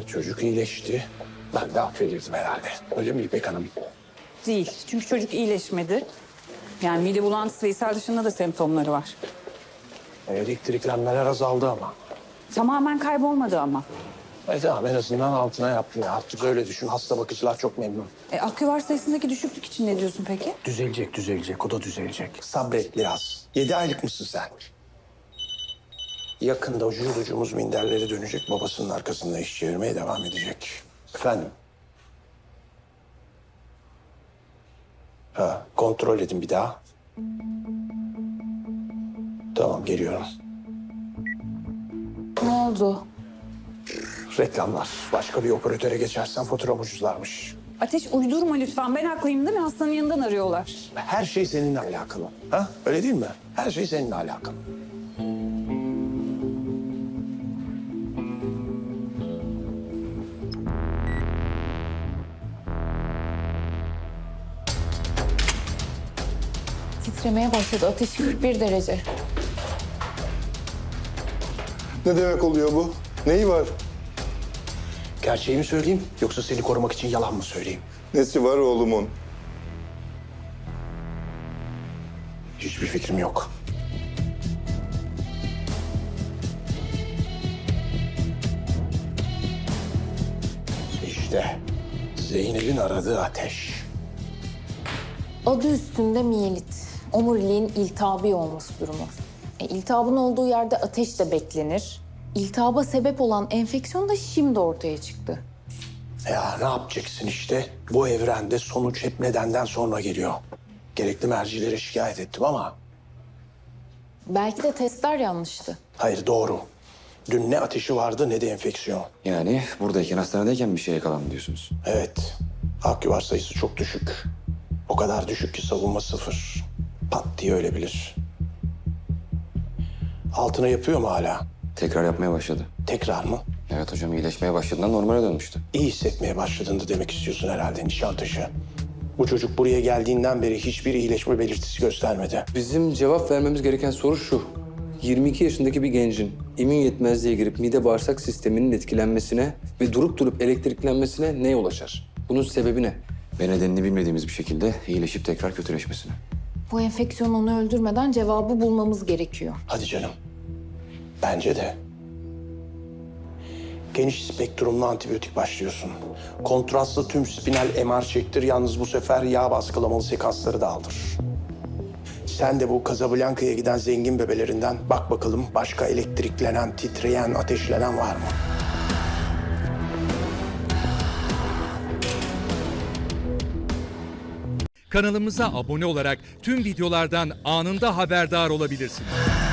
Çocuk iyileşti. Ben de affedildim herhalde. Öyle mi İpek Hanım? Değil. Çünkü çocuk iyileşmedi. Yani mide bulantısı ve ishal dışında da semptomları var. Elektriklenmeler azaldı ama. Tamamen kaybolmadı ama. Tamam, en azından altına yaptım ya. Artık öyle düşün. Hasta bakıcılar çok memnun. Aküvar sayısındaki düşüklük için ne diyorsun peki? Düzelecek. O da düzelecek. Sabret biraz. 7 aylık mısın sen? Yakında ucumuz minderlere dönecek. Babasının arkasında iş çevirmeye devam edecek. Efendim? Kontrol edin bir daha. Tamam, geliyorum. Ne oldu? Reklamlar. Başka bir operatöre geçersen faturam ucuzlarmış. Ateş uydurma lütfen. Ben haklıyım değil mi? Hastanın yanından arıyorlar. Her şey seninle alakalı. Ha? Öyle değil mi? Her şey seninle alakalı. Titremeye başladı. Ateşi 41 derece. Ne demek oluyor bu? Neyi var? Gerçeği mi söyleyeyim yoksa seni korumak için yalan mı söyleyeyim? Nesi var oğlumun? Hiçbir fikrim yok. İşte Zeynep'in aradığı ateş. Adı üstünde miyelit. Omuriliğin iltihabi olması durumu. İltihabın olduğu yerde ateş de beklenir. İltihaba sebep olan enfeksiyon da şimdi ortaya çıktı. Ya ne yapacaksın işte? Bu evrende sonuç hep nedenden sonra geliyor. Gerekli mercilere şikayet ettim ama Belki de testler yanlıştı. hayır, doğru. Dün ne ateşi vardı ne de enfeksiyon. Yani buradayken, hastanedeyken bir şeye yakalandı diyorsunuz. Evet. Aküvar sayısı çok düşük. O kadar düşük ki savunma sıfır. Pat diye ölebilir. Altına yapıyor mu hala? Tekrar yapmaya başladı. Tekrar mı? Evet hocam, iyileşmeye başladığında normale dönmüştü. İyi hissetmeye başladığında demek istiyorsun herhalde Nişantaşı. Bu çocuk buraya geldiğinden beri hiçbir iyileşme belirtisi göstermedi. Bizim cevap vermemiz gereken soru şu. 22 yaşındaki bir gencin immün yetmezliğe girip mide bağırsak sisteminin etkilenmesine ve durup elektriklenmesine ne yol açar? Bunun sebebi ne? Ve nedenini bilmediğimiz bir şekilde iyileşip tekrar kötüleşmesine. Bu enfeksiyon onu öldürmeden cevabı bulmamız gerekiyor. Hadi canım. Bence de. Geniş spektrumlu antibiyotik başlıyorsun. Kontrastlı tüm spinal MR çektir. Yalnız bu sefer yağ baskılamalı sekansları da aldır. Sen de bu Casablanca'ya giden zengin bebelerinden bak bakalım başka elektriklenen, titreyen, ateşlenen var mı? Kanalımıza abone olarak tüm videolardan anında haberdar olabilirsiniz.